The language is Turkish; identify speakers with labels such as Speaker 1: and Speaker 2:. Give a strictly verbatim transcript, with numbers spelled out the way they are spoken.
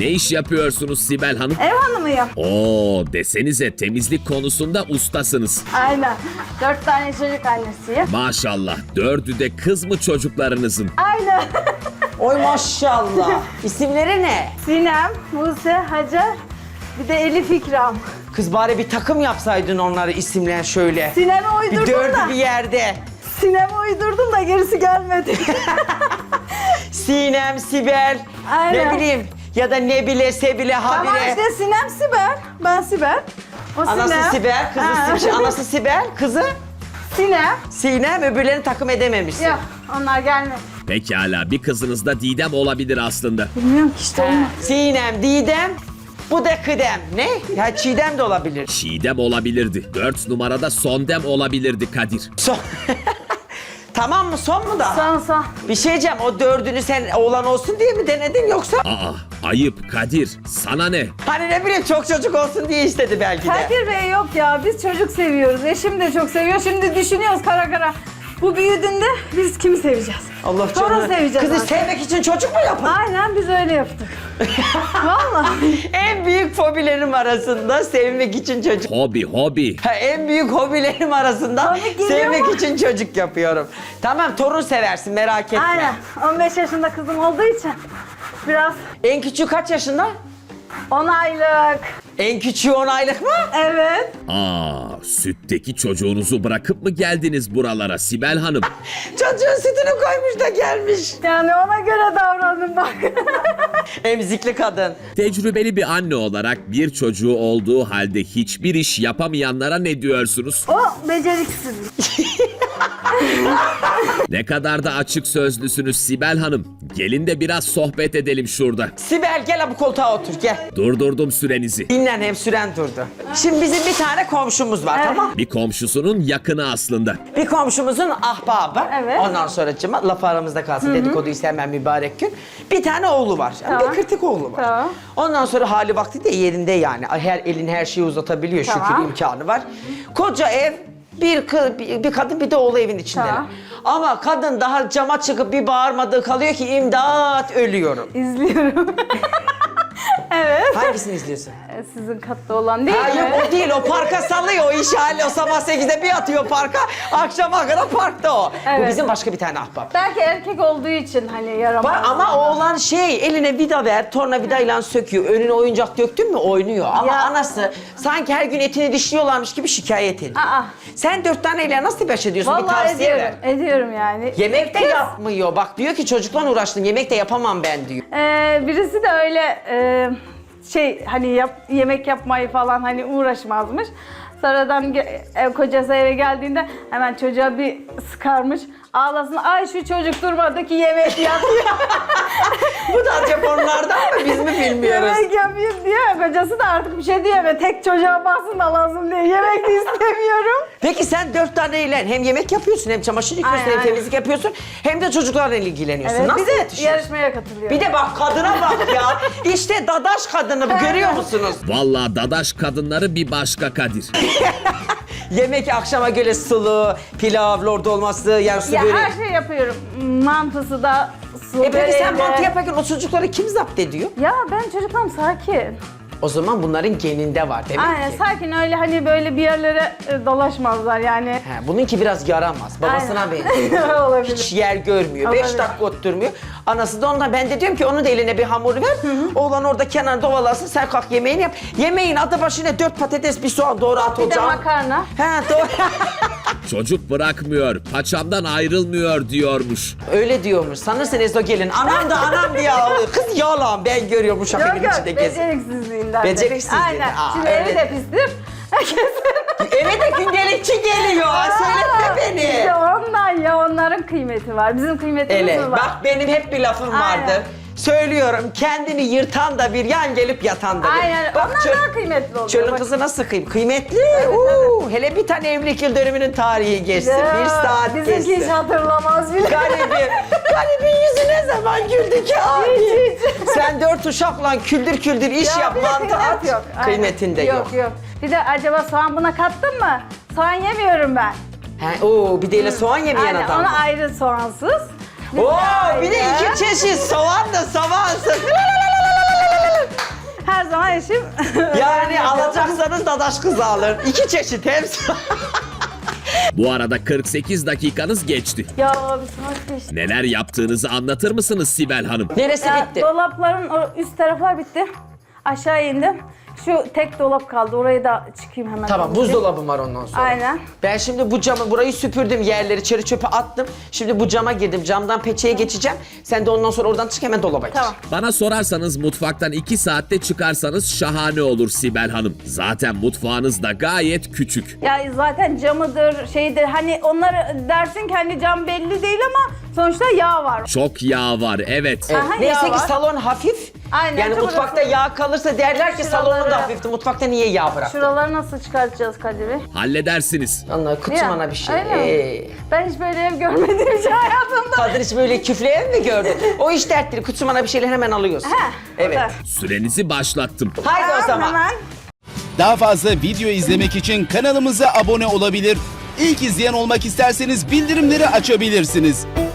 Speaker 1: Ne iş yapıyorsunuz Sibel Hanım?
Speaker 2: Ev hanımıyım.
Speaker 1: Oo, desenize temizlik konusunda ustasınız.
Speaker 2: Aynen. Dört tane çocuk annesiyim.
Speaker 1: Maşallah, dördü de kız mı çocuklarınızın?
Speaker 2: Aynen.
Speaker 3: Oy maşallah. İsimleri ne?
Speaker 2: Sinem, Buse, Hacer, bir de Elif İkram.
Speaker 3: Kız bari bir takım yapsaydın onları isimler şöyle.
Speaker 2: Sinem'e
Speaker 3: Bir
Speaker 2: uydurdum
Speaker 3: dördü
Speaker 2: da.
Speaker 3: bir yerde.
Speaker 2: Sinem'e uydurdum da gerisi gelmedi.
Speaker 3: Sinem, Sibel,
Speaker 2: Aynen.
Speaker 3: ne bileyim ya da Nebile, Sebile, Habire.
Speaker 2: Tamam işte Sinem Sibel. Ben Sibel. O
Speaker 3: Anası
Speaker 2: Sinem.
Speaker 3: Sibel, kızı
Speaker 2: Ha.
Speaker 3: Sibel, anası Sibel, kızı
Speaker 2: Sinem.
Speaker 3: Sinem, öbürlerini takım edememişsin.
Speaker 2: Yok onlar gelmedi.
Speaker 1: Pekala, bir kızınız da Didem olabilir aslında.
Speaker 2: Bilmiyorum ki işte olmadı.
Speaker 3: Sinem, Didem, bu da Kıdem. Ne? Ya Çiğdem de olabilir.
Speaker 1: Çiğdem olabilirdi. Dört numarada Sondem olabilirdi Kadir.
Speaker 3: Son... Tamam mı? Son mu da?
Speaker 2: Son son.
Speaker 3: Bir şey diyeceğim, o dördünü sen oğlan olsun diye mi denedin yoksa?
Speaker 1: Aa, ayıp Kadir. Sana ne?
Speaker 3: Hani ne bileyim çok çocuk olsun diye istedi belki de.
Speaker 2: Kadir Bey yok ya biz çocuk seviyoruz. Eşim de çok seviyor. Şimdi düşünüyoruz kara kara. Bu büyüdüğünde biz kimi seveceğiz?
Speaker 3: Allah
Speaker 2: Torun
Speaker 3: canını.
Speaker 2: seveceğiz
Speaker 3: Kızı
Speaker 2: artık.
Speaker 3: sevmek için çocuk mu yapın?
Speaker 2: Aynen biz öyle yaptık. Vallahi.
Speaker 3: En büyük fobilerim arasında sevmek için çocuk.
Speaker 1: Hobi, hobi.
Speaker 3: Ha, en büyük hobilerim arasında
Speaker 2: Komik geliyor
Speaker 3: sevmek
Speaker 2: mu?
Speaker 3: için çocuk yapıyorum. Tamam, torun seversin, merak etme.
Speaker 2: Aynen. on beş yaşında kızım olduğu için biraz
Speaker 3: En küçüğü kaç yaşında?
Speaker 2: on aylık.
Speaker 3: En küçüğü on aylık mı?
Speaker 2: Evet.
Speaker 1: Aa, sütteki çocuğunuzu bırakıp mı geldiniz buralara Sibel Hanım?
Speaker 3: Çocuğun sütünü koymuş da gelmiş.
Speaker 2: Yani ona göre davranın bak.
Speaker 3: Emzikli kadın.
Speaker 1: Tecrübeli bir anne olarak bir çocuğu olduğu halde hiçbir iş yapamayanlara ne diyorsunuz?
Speaker 2: O beceriksiz.
Speaker 1: Ne kadar da açık sözlüsünüz Sibel Hanım. Gelin de biraz sohbet edelim şurada.
Speaker 3: Sibel gel bu koltuğa otur gel.
Speaker 1: Durdurdum sürenizi.
Speaker 3: Dinlen, hem süren durdu. Şimdi bizim bir tane komşumuz var,
Speaker 2: Evet.
Speaker 3: tamam?
Speaker 1: Bir komşusunun yakını aslında.
Speaker 3: Bir komşumuzun ahbabı.
Speaker 2: Evet.
Speaker 3: Ondan sonra cıma, laf aramızda kalsın, dedikoduyu sevmem mübarek gün. Bir tane oğlu var. Yani
Speaker 2: Tamam.
Speaker 3: Bir kritik oğlu var.
Speaker 2: Tamam.
Speaker 3: Ondan sonra hali vakti de yerinde yani. Her elin her şeyi uzatabiliyor,
Speaker 2: Tamam.
Speaker 3: şükür imkanı var. Koca ev, bir, kı- bir, bir kadın bir de oğlu evin içinde.
Speaker 2: Tamam.
Speaker 3: Ama kadın daha cama çıkıp bir bağırmadığı kalıyor ki imdat ölüyorum.
Speaker 2: İzliyorum. evet.
Speaker 3: Hangisini izliyorsun?
Speaker 2: E, Sizin katta olan değil
Speaker 3: Ha
Speaker 2: mi?
Speaker 3: yok o değil, o parka salıyor, o iş hali, o sabah sekizde bir atıyor parka, akşama kadar parkta o. Bu
Speaker 2: Evet.
Speaker 3: bizim başka bir tane ahbap.
Speaker 2: Belki erkek olduğu için hani yaramaz.
Speaker 3: Var ama oğlan şey, eline vida ver, tornavidayla söküyor, önüne oyuncak döktün mü oynuyor. Ama
Speaker 2: Ya.
Speaker 3: anası sanki her gün etini dişliyorlarmış gibi şikayet ediyor.
Speaker 2: Aa.
Speaker 3: Sen dört taneyle nasıl baş ediyorsun? bir
Speaker 2: Vallahi
Speaker 3: tavsiye
Speaker 2: ediyorum.
Speaker 3: ver.
Speaker 2: Ediyorum yani.
Speaker 3: Yemek de
Speaker 2: Kız,
Speaker 3: yapmıyor. Bak diyor ki çocukla uğraştım, yemek de yapamam ben diyor.
Speaker 2: e, birisi de öyle e, şey hani yap, yemek yapmayı falan hani uğraşmazmış. Sonradan ge- ev kocası eve geldiğinde hemen çocuğa bir sıkarmış. Ağlasın, ay şu çocuk durmadı ki yemek yapıyor.
Speaker 3: Bu da acaba onlardan mı, biz mi bilmiyoruz?
Speaker 2: yemek yapayım diye. Kocası da artık bir şey diyemez. Tek çocuğa baksın da lazım diye. Yemek de istemiyorum.
Speaker 3: Peki sen dört taneyle hem yemek yapıyorsun, hem çamaşır yıkıyorsun,
Speaker 2: Aynen,
Speaker 3: hem
Speaker 2: aynen.
Speaker 3: temizlik yapıyorsun, hem de çocuklarla ilgileniyorsun.
Speaker 2: Evet,
Speaker 3: Nasıl
Speaker 2: bir de
Speaker 3: yetişiyorsun?
Speaker 2: yarışmaya katılıyor.
Speaker 3: Bir de bak kadına bak ya. İşte dadaş kadını bu, görüyor musunuz?
Speaker 1: Vallahi dadaş kadınları bir başka Kadir.
Speaker 3: Yemek akşama göre sulu, pilav, lord olması, yani su
Speaker 2: ya
Speaker 3: böreği.
Speaker 2: her şey yapıyorum. Mantısı da, su
Speaker 3: E peki sen
Speaker 2: böreği de.
Speaker 3: mantı yaparken o çocukları kim zapt ediyor?
Speaker 2: Ya ben çocuklarım sakin.
Speaker 3: O zaman bunların geninde var demek
Speaker 2: Aynen
Speaker 3: ki.
Speaker 2: sakin, öyle hani böyle bir yerlere e, dolaşmazlar yani.
Speaker 3: He, bununki biraz yaramaz. Babasına
Speaker 2: Aynen.
Speaker 3: benziyor.
Speaker 2: Olabilir.
Speaker 3: Hiç yer görmüyor. Beş
Speaker 2: Olabilir.
Speaker 3: dakika oturmuyor. Anası da ondan, ben de diyorum ki onun da eline bir hamur ver. Oğlan orada kenarda ovalasın, sen kalk yemeğini yap. Yemeğin adı başına dört patates, bir soğan doğru at
Speaker 2: Bir de
Speaker 3: ocağa.
Speaker 2: makarna.
Speaker 3: He doğru.
Speaker 1: Çocuk bırakmıyor, paçamdan ayrılmıyor diyormuş.
Speaker 3: Öyle diyormuş. Sanırsın Ezo gelin. Anam da anam diye ağlıyor. Kız yalan, ben görüyorum uşak
Speaker 2: Yok
Speaker 3: evin
Speaker 2: yok,
Speaker 3: içinde gezin.
Speaker 2: beceriksizliğinden. de.
Speaker 3: Beceriksizliğinden,
Speaker 2: Aynen.
Speaker 3: aa,
Speaker 2: Şimdi
Speaker 3: öyle.
Speaker 2: evi de pistir.
Speaker 3: Eve de gündelikçi geliyor. Söyletme
Speaker 2: İşte
Speaker 3: beni.
Speaker 2: ondan ya, onların kıymeti var. Bizim kıymetimiz
Speaker 3: Ele,
Speaker 2: var.
Speaker 3: bak benim hep bir lafım
Speaker 2: Aynen.
Speaker 3: vardır. Söylüyorum, kendini yırtan da bir, yan gelip yatan da bir.
Speaker 2: Aynen.
Speaker 3: Bak,
Speaker 2: Onlar
Speaker 3: çöl-
Speaker 2: daha kıymetli oluyor.
Speaker 3: Çölün
Speaker 2: Bak.
Speaker 3: kızı nasıl kıyım? Kıymetli. Uuu, hele bir tane evlilik yıl dönümünün tarihi geçsin.
Speaker 2: Ya,
Speaker 3: bir saat
Speaker 2: bizimki hiç
Speaker 3: geçsin.
Speaker 2: hatırlamaz bile.
Speaker 3: Garibim. Garibin yüzü ne zaman güldü ki abi?
Speaker 2: Hiç, hiç.
Speaker 3: Sen dört uşakla küldür küldür iş
Speaker 2: Ya
Speaker 3: yap,
Speaker 2: bir de
Speaker 3: mantı
Speaker 2: kıymet
Speaker 3: at.
Speaker 2: yok. Aynen.
Speaker 3: Kıymetinde yok.
Speaker 2: Yok yok. Bir de acaba soğan buna kattın mı? Soğan yemiyorum ben.
Speaker 3: He, oo, bir de öyle soğan yemeyen
Speaker 2: Aynen,
Speaker 3: adam.
Speaker 2: ona ayrı soğansız. Bir
Speaker 3: Oo,
Speaker 2: de
Speaker 3: bir de
Speaker 2: ayrı.
Speaker 3: iki çeşit soğan da soğansız.
Speaker 2: kardeşim.
Speaker 3: Yani alacaksanız dadaş kızı alın. İki çeşit hepsi.
Speaker 1: Bu arada kırk sekiz dakikanız geçti.
Speaker 2: Ya bir saat geçti.
Speaker 1: Neler yaptığınızı anlatır mısınız Sibel Hanım?
Speaker 3: Neresi
Speaker 2: Ya,
Speaker 3: bitti?
Speaker 2: dolapların o üst taraflar bitti. Aşağı indim. Şu tek dolap kaldı. Orayı da çıkayım hemen.
Speaker 3: Tamam, buzdolabım var ondan sonra.
Speaker 2: Aynen.
Speaker 3: Ben şimdi bu camı, burayı süpürdüm, yerleri çeri çöpe attım. Şimdi bu cama girdim, camdan peçeye geçeceğim. Sen de ondan sonra oradan çık, hemen dolaba gir.
Speaker 2: Tamam.
Speaker 1: Bana sorarsanız mutfaktan iki saatte çıkarsanız şahane olur Sibel Hanım. Zaten mutfağınız da gayet küçük.
Speaker 2: Ya zaten camıdır, şeydir. Hani onlar dersin ki hani cam belli değil ama sonuçta yağ var.
Speaker 1: Çok yağ var, evet.
Speaker 3: Evet.
Speaker 2: Aha,
Speaker 3: Neyse
Speaker 2: yağ
Speaker 3: ki
Speaker 2: var.
Speaker 3: salon hafif.
Speaker 2: Aynen,
Speaker 3: Yani
Speaker 2: çok
Speaker 3: mutfakta
Speaker 2: hafif.
Speaker 3: yağ kalırsa derler ki
Speaker 2: Şuraları-
Speaker 3: salonun da hafifti. Mutfakta niye yağ bıraktın?
Speaker 2: Şuraları nasıl çıkartacağız Kadir Bey?
Speaker 1: Halledersiniz.
Speaker 3: Allah kutumana bir şey.
Speaker 2: Öyle mi?
Speaker 3: Ee,
Speaker 2: Ben hiç böyle ev görmediğim için hayatımda.
Speaker 3: Kadir hiç böyle küflü ev mi gördün? O iş dertleri, kutumana bir şeyler hemen alıyorsun.
Speaker 2: Heh,
Speaker 3: Evet.
Speaker 2: o da.
Speaker 1: Sürenizi başlattım.
Speaker 3: Haydi o zaman.
Speaker 2: Hemen.
Speaker 4: Daha fazla video izlemek için kanalımıza abone olabilir. İlk izleyen olmak isterseniz bildirimleri açabilirsiniz.